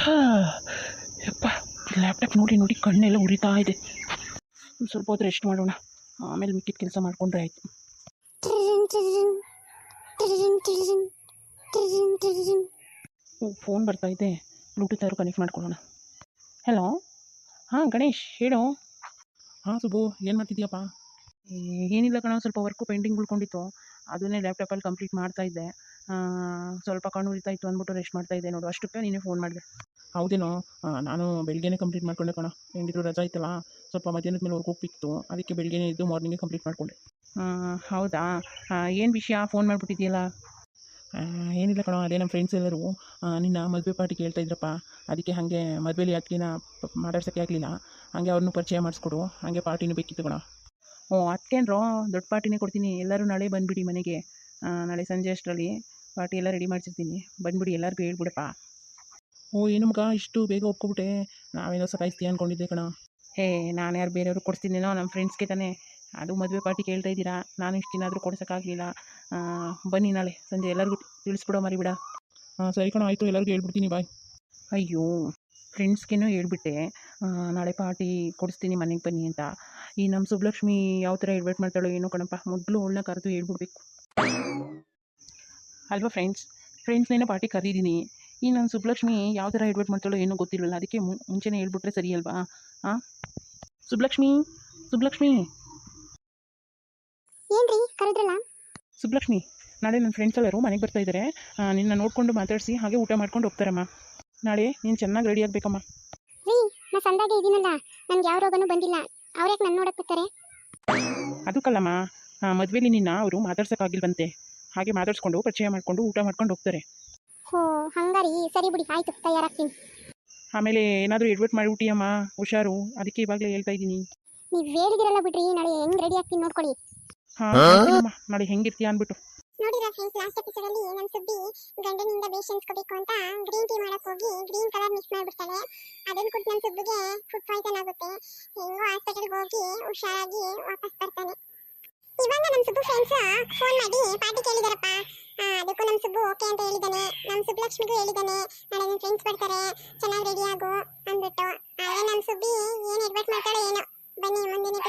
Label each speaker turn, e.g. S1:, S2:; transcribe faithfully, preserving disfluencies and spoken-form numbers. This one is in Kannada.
S1: ಯಪ್ಪ ಲ್ಯಾಪ್ಟಾಪ್ ನೋಡಿ ನೋಡಿ ಕಣ್ಣೆಲ್ಲ ಉರಿತಾ ಇದೆ. ಒಂದು ಸ್ವಲ್ಪ ಹೊತ್ತು ರೆಸ್ಟ್ ಮಾಡೋಣ, ಆಮೇಲೆ ಮಿಕ್ಕಿದ ಕೆಲಸ ಮಾಡಿಕೊಂಡ್ರೆ ಆಯಿತು. ಓ ಫೋನ್ ಬರ್ತಾ ಇದೆ, ಬ್ಲೂಟೂತ್ ಆದರೂ ಕನೆಕ್ಟ್ ಮಾಡ್ಕೊಳ್ಳೋಣ. ಹಲೋ, ಹಾಂ ಗಣೇಶ್ ಹೇಳು. ಹಾಂ ಸುಬ್ಬು, ಏನು ಮಾಡ್ತಿದ್ದೀಯಪ್ಪ? ಏನಿಲ್ಲ ಕಣೋ, ಸ್ವಲ್ಪ ವರ್ಕು ಪೆಂಡಿಂಗ್ ಉಳ್ಕೊಂಡಿತ್ತು, ಅದನ್ನೇ ಲ್ಯಾಪ್ಟಾಪಲ್ಲಿ ಕಂಪ್ಲೀಟ್ ಮಾಡ್ತಾಯಿದ್ದೆ. ಸ್ವಲ್ಪ ಕಣ್ಣು ಉರಿತಾ ಇತ್ತು ಅಂದ್ಬಿಟ್ಟು ರೆಸ್ಟ್ ಮಾಡ್ತಾಯಿದ್ದೆ ನೋಡು, ಅಷ್ಟಕ್ಕೆ ನೀನೇ ಫೋನ್ ಮಾಡಿದೆ. ಹೌದೇನೋ, ನಾನು ಬೆಳಗ್ಗೆನೇ ಕಂಪ್ಲೀಟ್ ಮಾಡ್ಕೊಂಡೆ ಕಣ. ಹೆಂಗಿದ್ರು ರಜಾ ಇತ್ತಲ್ಲ, ಸ್ವಲ್ಪ ಮಧ್ಯಾಹ್ನದ ಮೇಲೆ ವರ್ಕ್ ಹೋಗ್ತಿತ್ತು, ಅದಕ್ಕೆ ಬೆಳಗ್ಗೆನೇ ಇದ್ದು ಮಾರ್ನಿಂಗೇ ಕಂಪ್ಲೀಟ್ ಮಾಡಿಕೊಂಡೆ. ಹೌದಾ, ಏನು ವಿಷಯ ಫೋನ್ ಮಾಡಿಬಿಟ್ಟಿದೆಯಲ್ಲ? ಏನಿಲ್ಲ ಕಣೋ, ಅದೇ ನಮ್ಮ ಫ್ರೆಂಡ್ಸ್ ಎಲ್ಲರೂ ನಿನ್ನ ಮದುವೆ ಪಾರ್ಟಿ ಕೇಳ್ತಾ ಇದ್ರಪ್ಪ. ಅದಕ್ಕೆ ಹಾಗೆ ಮದುವೆಲಿ ಅದಕ್ಕಿನ ಮಾತಾಡ್ಸೋಕ್ಕೆ ಆಗಲಿಲ್ಲ, ಹಾಗೆ ಅವ್ರನ್ನೂ ಪರಿಚಯ ಮಾಡಿಸ್ಕೊಡು, ಹಾಗೆ ಪಾರ್ಟಿನೂ ಬೇಕಿತ್ತು ಕಣ. ಹ್ಞೂ ಅದಕ್ಕೇನ್ರೋ, ದೊಡ್ಡ ಪಾರ್ಟಿನೇ ಕೊಡ್ತೀನಿ. ಎಲ್ಲರೂ ನಾಳೆ ಬಂದುಬಿಡಿ ಮನೆಗೆ, ನಾಳೆ ಸಂಜೆ ಅಷ್ಟರಲ್ಲಿ ಪಾರ್ಟಿ ಎಲ್ಲ ರೆಡಿ ಮಾಡಿಸಿರ್ತೀನಿ, ಬಂದುಬಿಡಿ, ಎಲ್ಲರಿಗೂ ಹೇಳ್ಬಿಡಪ್ಪ. ಓ ಏನು ಮಗ ಇಷ್ಟು ಬೇಗ ಒಪ್ಕೊಬಿಟ್ಟೆ, ನಾವೇನೋ ಸತಾಯಿಸ್ತೀಯ ಅಂದ್ಕೊಂಡಿದ್ದೆ ಕಣ. ಹೇ ನಾನು ಯಾರು ಬೇರೆಯವ್ರಿಗೆ ಕೊಡಿಸ್ತೀನೇನೋ, ನಮ್ಮ ಫ್ರೆಂಡ್ಸ್ಗೆ ತಾನೇ. ಅದು ಮದುವೆ ಪಾರ್ಟಿ ಕೇಳ್ತಾ ಇದ್ದೀರಾ, ನಾನು ಇಷ್ಟು ದಿನ ಆದರೂ ಕೊಡ್ಸೋಕ್ಕಾಗಲಿಲ್ಲ. ಬನ್ನಿ ನಾಳೆ ಸಂಜೆ ಎಲ್ಲರಿಗೂ ತಿಳಿಸ್ಬಿಡೋ ಮರಿಬಿಡ. ಹಾಂ ಸರಿ ಕಣ, ಆಯಿತು, ಎಲ್ಲರಿಗೂ ಹೇಳ್ಬಿಡ್ತೀನಿ, ಬಾಯ್. ಅಯ್ಯೋ ಫ್ರೆಂಡ್ಸ್ಗೇನೋ ಹೇಳ್ಬಿಟ್ಟೆ ನಾಳೆ ಪಾರ್ಟಿ ಕೊಡಿಸ್ತೀನಿ ಮನೆಗೆ ಬನ್ನಿ ಅಂತ. ಈ ನಮ್ಮ ಸುಬ್ಲಕ್ಷ್ಮಿ ಯಾವ ಥರ ಇನ್ವೈಟ್ ಮಾಡ್ತಾಳೋ ಏನೋ ಕಣಪ್ಪ, ಮೊದಲು ಅವಳನ್ನ ಕರೆದು ಹೇಳ್ಬಿಡ್ಬೇಕು ಅಲ್ವಾ ಫ್ರೆಂಡ್ಸ್. ಫ್ರೆಂಡ್ಸ್ನೇನೋ ಪಾರ್ಟಿ ಕರೀತೀನಿ, ಈ ನನ್ನ ಸುಬ್ಲಕ್ಷ್ಮಿ ಯಾವ ಥರ ಇನ್ವೈಟ್ ಮಾಡ್ತಾಳೋ ಏನೋ ಗೊತ್ತಿಲ್ವಲ್ಲ, ಅದಕ್ಕೆ ಮುಂಚೆನೇ ಹೇಳ್ಬಿಟ್ರೆ ಸರಿ ಅಲ್ವಾ? ಹಾಂ ಸುಬ್ಲಕ್ಷ್ಮಿ, ಸುಬ್ಲಕ್ಷ್ಮಿ
S2: ಏನ್ರಿ ಕರೆದ್ರಲ್ಲ?
S1: ಸುಬ್ಲಕ್ಷ್ಮಿ, ನಾಳೆ ನನ್ನ ಫ್ರೆಂಡ್ಸ್ ಎಲ್ಲರೂ ಮನೆಗೆ ಬರ್ತಾ ಇದ್ದಾರೆ, ನಿನ್ನ ನೋಡಿಕೊಂಡು ಮಾತಾಡಿಸಿ ಹಾಗೆ ಊಟ ಮಾಡ್ಕೊಂಡು ಹೋಗ್ತಾರಮ್ಮ. ನಾಳೆ ನೀನು ಚೆನ್ನಾಗಿ ರೆಡಿ ಆಗಬೇಕಮ್ಮ.
S2: ರೀ ನಾ ಸಂದಾಗೆ ಇದ್ದೀನಲ್ಲ, ನನಗೆ ಯಾವ ರೋಗನೂ ಬಂದಿಲ್ಲ, ಅವ್ರ್ಯಾಕೆ ನನ್ನ ನೋಡಕ್ಕೆ ಬರ್ತಾರೆ?
S1: ಅದಕ್ಕಲ್ಲಮ್ಮ, ಮದುವೆಲಿ ನಿನ್ನ ಅವರು ಮಾತಾಡ್ಸೋಕ್ಕಾಗಿಲ್ವಂತೆ, ಹಾಗೆ ಮಾತಾಡಿಸ್ಕೊಂಡು ಪರಿಚಯ ಮಾಡಿಕೊಂಡು ಊಟ ಮಾಡ್ಕೊಂಡು ಹೋಗ್ತಾರೆ.
S2: ಹೋ ಹಂಗಾರಿ, ಸರಿ ಬಿಡಿ, ಆಯಿತು, ತಯಾರಾಗ್ತೀನಿ.
S1: ಆಮೇಲೆ ಏನಾದರೂ ಎಡ್ವರ್ಟ್ ಮಾಡಿಬಿಟ್ಟಿಯಮ್ಮ, ಹುಷಾರು, ಅದಕ್ಕೆ ಇವಾಗಲೇ ಹೇಳ್ತಾ ಇದ್ದೀನಿ.
S2: ನೀವು ಹೇಳಿದಿರಲ್ಲ ಬಿಡ್ರಿ, ನಾಳೆ ಹೆಂಗೆ ರೆಡಿ ಆಗ್ತೀನಿ ನೋಡ್ಕೊಳ್ಳಿ.
S1: ಹಾಂ ನಾಳೆ ಹೆಂಗಿರ್ತೀಯ ಅಂದ್ಬಿಟ್ಟು.
S2: ನೋಡಿರಾ ಫ್ರೆಂಡ್ಸ್, ಲಾಸ್ಟ್ ಎಪಿಸೋಡಲ್ಲಿ ನಮ್ಮ ಸುಬ್ಬಿ ಗಂಡನಿಂದ ಬೇಷನ್ಸ್ಕೋಬೇಕು ಅಂತ ಗ್ರೀನ್ ಟೀ ಮಾಡಕ್ಕೆ ಹೋಗಿ ಗ್ರೀನ್ ಕಲರ್ ಮಿಕ್ಸ್ ಮಾಡಿಬಿಡ್ತಾಳೆ. ಅದನ್ನು ಕುಟ್ಟು ನಮ್ಮ ಸುಬ್ಬಿಗೆ ಫುಡ್ ಪಾಯ್ಸನ್ ಆಗುತ್ತೆ. ಹೆಂಗೋ ಹಾಸ್ಪಿಟಲ್ಗೆ ಹೋಗಿ ಹುಷಾರಾಗಿ ವಾಪಸ್ ಬರ್ತಾನೆ. ಇವಾಗ ನಮ್ಮ ಸುಬ್ಬು ಫ್ರೆಂಡ್ಸ್ ಫೋನ್ ಮಾಡಿ ಪಾರ್ಟಿ ಕೇಳಿದಾರಪ್ಪ. ಅದಕ್ಕೂ ನಮ್ಮ ಸುಬ್ಬು ಓಕೆ ಅಂತ ಹೇಳಿದ್ದಾನೆ. ನಮ್ಮ ಸುಬ್ಬಲಕ್ಷ್ಮಿಗೂ ಹೇಳಿದ್ದಾನೆ, ನಾಳೆ ನನ್ನ ಫ್ರೆಂಡ್ಸ್ ಬರ್ತಾರೆ, ಚೆನ್ನಾಗಿ ರೆಡಿ ಆಗು ಅಂದ್ಬಿಟ್ಟು. ಆದರೆ ನಮ್ಮ ಸುಬ್ಬಿ ಏನು ಎಡ್ವರ್ಟ್ ಮಾಡ್ತಾಳೋ ಏನೋ. ಬನ್ನಿ ಮುಂದಿನ